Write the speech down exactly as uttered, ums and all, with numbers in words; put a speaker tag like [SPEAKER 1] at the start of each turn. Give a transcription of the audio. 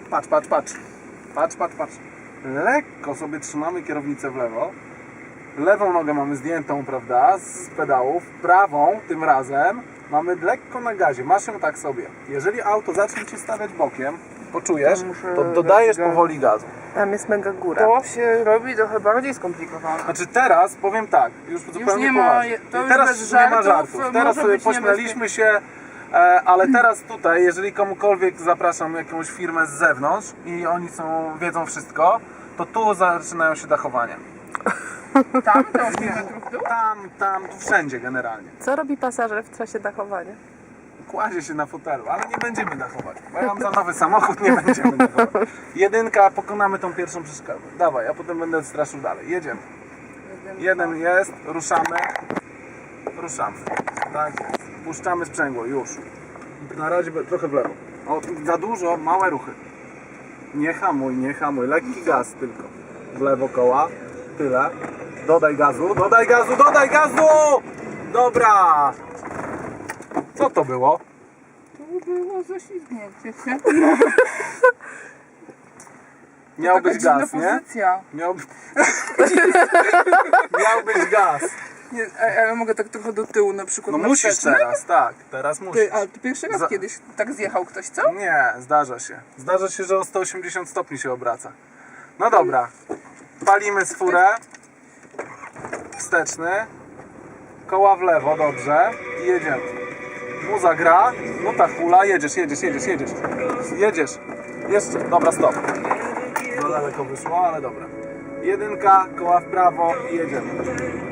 [SPEAKER 1] Patrz, patrz, patrz. Patrz, patrz, patrz. Lekko sobie trzymamy kierownicę w lewo. Lewą nogę mamy zdjętą, prawda, z pedałów. Prawą tym razem mamy lekko na gazie. Masz ją tak sobie. Jeżeli auto zacznie Ci stawiać bokiem, poczujesz, to dodajesz powoli gazu.
[SPEAKER 2] Tam jest mega góra.
[SPEAKER 3] To się robi trochę bardziej skomplikowane.
[SPEAKER 1] Znaczy teraz, powiem tak, już zupełnie
[SPEAKER 3] nie ma-
[SPEAKER 1] poważnie.
[SPEAKER 3] to już
[SPEAKER 1] teraz
[SPEAKER 3] bez
[SPEAKER 1] już nie ma
[SPEAKER 3] żartów,
[SPEAKER 1] żartów. Teraz
[SPEAKER 3] może
[SPEAKER 1] sobie
[SPEAKER 3] być
[SPEAKER 1] pośmialiśmy się, e, ale teraz tutaj, jeżeli komukolwiek zapraszam jakąś firmę z zewnątrz i oni są, wiedzą wszystko, to tu zaczynają się dachowania.
[SPEAKER 3] Tam to osiem metrów w dół?
[SPEAKER 1] Tam, tam, tu wszędzie generalnie.
[SPEAKER 2] Co robi pasażer w czasie dachowania?
[SPEAKER 1] Kładzie się na fotelu, ale nie będziemy dachować. Bo ja mam za nowy samochód, nie będziemy dachować. Jedynka, pokonamy tą pierwszą przeszkodę. Dawaj, a potem będę straszył dalej. Jedziemy. Jeden jest, ruszamy. Ruszamy. Tak jest. Puszczamy sprzęgło, już. Na razie trochę w lewo. O, za dużo, małe ruchy. Nie hamuj, nie hamuj. Lekki gaz tylko. W lewo koła. Tyle. Dodaj gazu, dodaj gazu, dodaj gazu! Dobra! Co to było?
[SPEAKER 3] To było zaślizgnięcie się.
[SPEAKER 1] Miał
[SPEAKER 3] Taka
[SPEAKER 1] być
[SPEAKER 3] dziwna
[SPEAKER 1] gaz, nie?
[SPEAKER 3] pozycja.
[SPEAKER 1] Miał... Miał być gaz.
[SPEAKER 3] Nie, a ja mogę tak trochę do tyłu na przykład.
[SPEAKER 1] No
[SPEAKER 3] na
[SPEAKER 1] musisz
[SPEAKER 3] wsteczny?
[SPEAKER 1] teraz, tak. Teraz musisz.
[SPEAKER 3] Ty, ale ty pierwszy raz
[SPEAKER 1] Za-
[SPEAKER 3] kiedyś tak zjechał ktoś, co?
[SPEAKER 1] Nie, zdarza się. Zdarza się, że o sto osiemdziesiąt stopni się obraca. No dobra. Palimy z furę. Wsteczny. Koła w lewo, dobrze. I jedziemy. Muza gra. No ta hula. Jedziesz, jedziesz, jedziesz, jedziesz. Jedziesz. Jeszcze. Dobra, stop. Za daleko wyszło, ale dobra. Jedynka, koła w prawo i jedziemy.